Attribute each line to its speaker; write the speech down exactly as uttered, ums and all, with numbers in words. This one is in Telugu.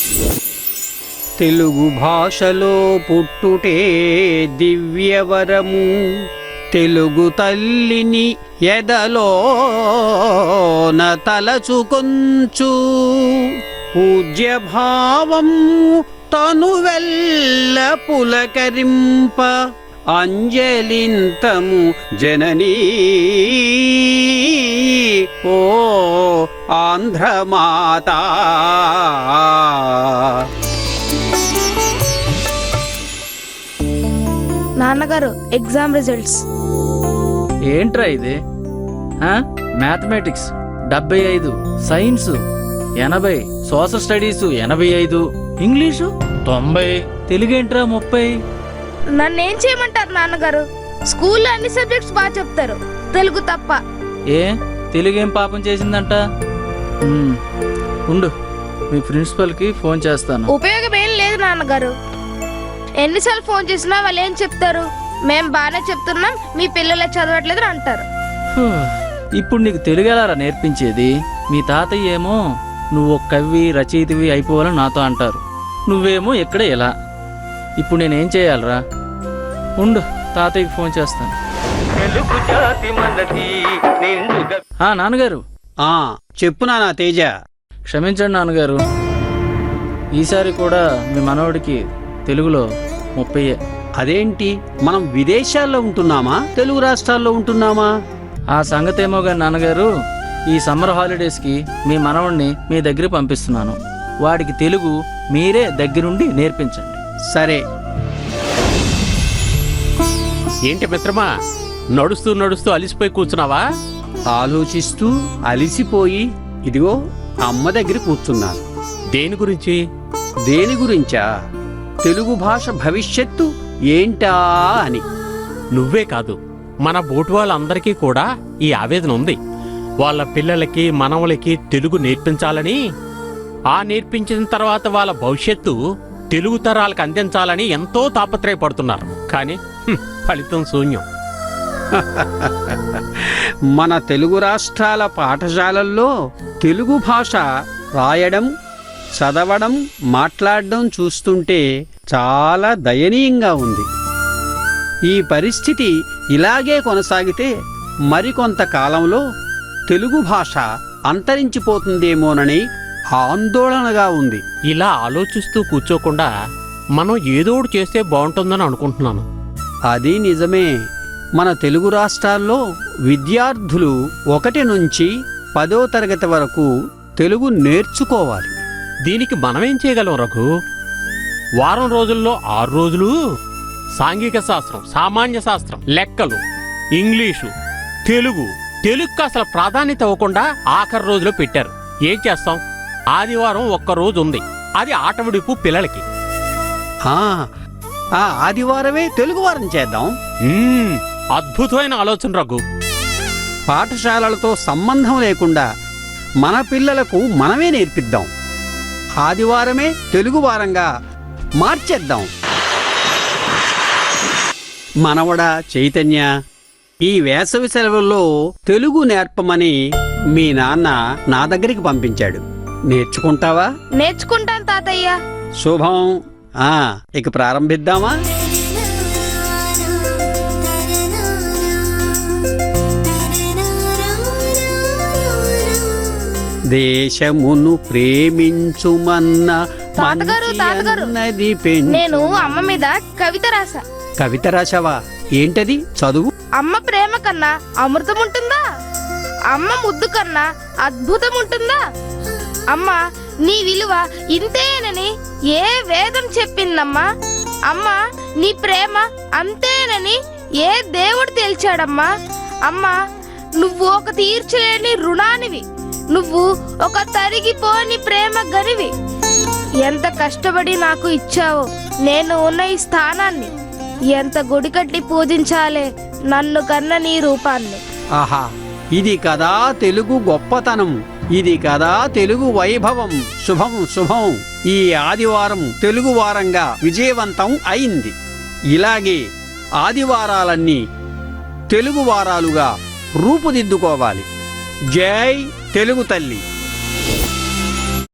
Speaker 1: తెలుగు భాషలో పుట్టుటే దివ్యవరము, తెలుగు తల్లిని ఎదలోన తలచుకొంచు, పూజ్య భావం తనువెల్ల పులకరింప, అంజలింతము జననీ ఓ ఆంధ్రమాత.
Speaker 2: నాన్నగారు ఎగ్జామ్ రిజల్ట్స్.
Speaker 3: ఏంట్రా ఇది? మ్యాథమెటిక్స్ డెబ్బై ఐదు, సైన్స్ ఎనభై, సోషల్ స్టడీస్ ఎనభై ఐదు, ఇంగ్లీషు తొంభై, తెలుగేంట్రా ముప్పై.
Speaker 2: నన్నేం చేయమంటారు నాన్నగారు? స్కూల్లో అన్ని సబ్జెక్ట్స్ బాగా చెప్తారు, తెలుగు తప్ప.
Speaker 3: ఏ తెలుగేం పాపం చేసిందంట? ఉమ్, ఉండు, మీ ప్రిన్సిపల్కి ఫోన్ చేస్తాను.
Speaker 2: ఉపయోగం ఏం లేదు నాన్నగారు. ఎన్నిసార్లు ఫోన్ చేసినా వాళ్ళు ఏం చెప్తారు? మేం బాగానే చెప్తున్నాం, మీ పిల్లలే చదవట్లేదు అంటారు.
Speaker 3: ఫు, ఇప్పుడు నీకు తెలుగు ఎలారా నేర్పించేది? మీ తాతయ్య ఏమో నువ్వు ఒక కవి రచయితవి అయిపోవాలని నాతో అంటారు, నువ్వేమో ఇక్కడ ఎలా. ఇప్పుడు నేనేం చేయాలరా? ఉండు, తాతయ్యకి ఫోన్ చేస్తాను. ఆ నాన్నగారు.
Speaker 1: ఆ చెప్పు నానా తేజ.
Speaker 3: క్షమించండి నాన్నగారు, ఈసారి కూడా మీ మనవడికి తెలుగులో ముప్పై.
Speaker 1: అదేంటి, మనం విదేశాల్లో ఉంటున్నామా తెలుగు రాష్ట్రాల్లో ఉంటున్నామా?
Speaker 3: ఆ సంగతేమో గాని నాన్నగారు, ఈ సమ్మర్ హాలిడేస్కి మీ మనవడిని మీ దగ్గరికి పంపిస్తున్నాను. వాడికి తెలుగు మీరే దగ్గరుండి నేర్పించండి.
Speaker 1: సరే.
Speaker 4: ఏంటి మిత్రమా, నడుస్తూ నడుస్తూ అలిసిపోయి కూర్చున్నావా?
Speaker 1: ఆలోచిస్తూ అలిసిపోయి ఇదిగో అమ్మ దగ్గర కూర్చున్నాను.
Speaker 4: దేని గురించి?
Speaker 1: దేని గురించా? తెలుగు భాష భవిష్యత్తు ఏంటా అని.
Speaker 4: నువ్వే కాదు, మన బోటు వాళ్ళందరికీ కూడా ఈ ఆవేదన ఉంది. వాళ్ళ పిల్లలకి మనవలకి తెలుగు నేర్పించాలని, ఆ నేర్పించిన తర్వాత వాళ్ళ భవిష్యత్తు తెలుగు తరాలకు అందించాలని ఎంతో తాపత్రయపడుతున్నారు. కానీ హ్మ్, ఫలితం శూన్యం.
Speaker 1: మన తెలుగు రాష్ట్రాల పాఠశాలల్లో తెలుగు భాష రాయడం, చదవడం, మాట్లాడడం చూస్తుంటే చాలా దయనీయంగా ఉంది. ఈ పరిస్థితి ఇలాగే కొనసాగితే మరికొంత కాలంలో తెలుగు భాష అంతరించిపోతుందేమోనని ఆందోళనగా ఉంది.
Speaker 4: ఇలా ఆలోచిస్తూ కూర్చోకుండా మనం ఏదోడు చేస్తే బాగుంటుందని అనుకుంటున్నాను.
Speaker 1: అది నిజమే. మన తెలుగు రాష్ట్రాల్లో విద్యార్థులు ఒకటి నుంచి పదో తరగతి వరకు తెలుగు నేర్చుకోవాలి.
Speaker 4: దీనికి మనమేం చేయగలం రఘు? వారం రోజుల్లో ఆరు రోజులు సాంఘిక శాస్త్రం, సామాన్య శాస్త్రం, లెక్కలు, ఇంగ్లీషు, తెలుగు తెలుగుకి అసలు ప్రాధాన్యత ఇవ్వకుండా ఆఖరి రోజులో పెట్టారు. ఏం చేస్తాం? ఆదివారం ఒక్క రోజు ఉంది, అది ఆటవిడుపు పిల్లలకి.
Speaker 1: ఆ ఆదివారమే తెలుగు వారం చేద్దాం.
Speaker 4: అద్భుతమైన ఆలోచన రఘు.
Speaker 1: పాఠశాలలతో సంబంధం లేకుండా మన పిల్లలకు మనమే నేర్పిద్దాం. ఆదివారమే తెలుగు వారంగా మార్చేద్దాం. మనవడా చైతన్య, ఈ వేసవి సెలవుల్లో తెలుగు నేర్పమని మీ నాన్న నా దగ్గరికి పంపించాడు. నేర్చుకుంటావా?
Speaker 2: నేర్చుకుంటాను తాతయ్య.
Speaker 1: శుభం. ఆ ఇక ప్రారంభిద్దామా? దేశమును ప్రేమించుమన్న
Speaker 2: తాతగారు తాతగారు నేను అమ్మ మీద కవిత రాసా.
Speaker 1: కవిత రాసావా? ఏంటది? చదువు.
Speaker 2: అమ్మ ప్రేమ కన్నా అమృతం ఉంటుందా? అమ్మ ముద్దు కన్నా అద్భుతం ఉంటుందా? అమ్మ నీ విలువ ఇంతేనని ఏ వేదం చెప్పిందమ్మా? అమ్మ నీ ప్రేమ అంతేనని ఏ దేవుడు తేల్చాడమ్మా? అమ్మ నువ్వు ఒక తీర్చలేని రుణానివి, నువ్వు ఒక తరిగిపోని ప్రేమ గనివి. ఎంత కష్టపడి నాకు ఇచ్చావో నేను ఉన్న ఈ స్థానాన్ని, ఎంత గుడి కట్టి పూజించాలే నన్ను కన్న నీ రూపాన్ని.
Speaker 1: ఆహా, ఇది కదా తెలుగు గొప్పతనం, ఇది కదా తెలుగు వైభవం. శుభం శుభం. ఈ ఆదివారం తెలుగు వారంగా విజయవంతం అయింది. ఇలాగే ఆదివారాలన్నీ తెలుగు వారాలుగా రూపుదిద్దుకోవాలి. జై తెలుగు తల్లి.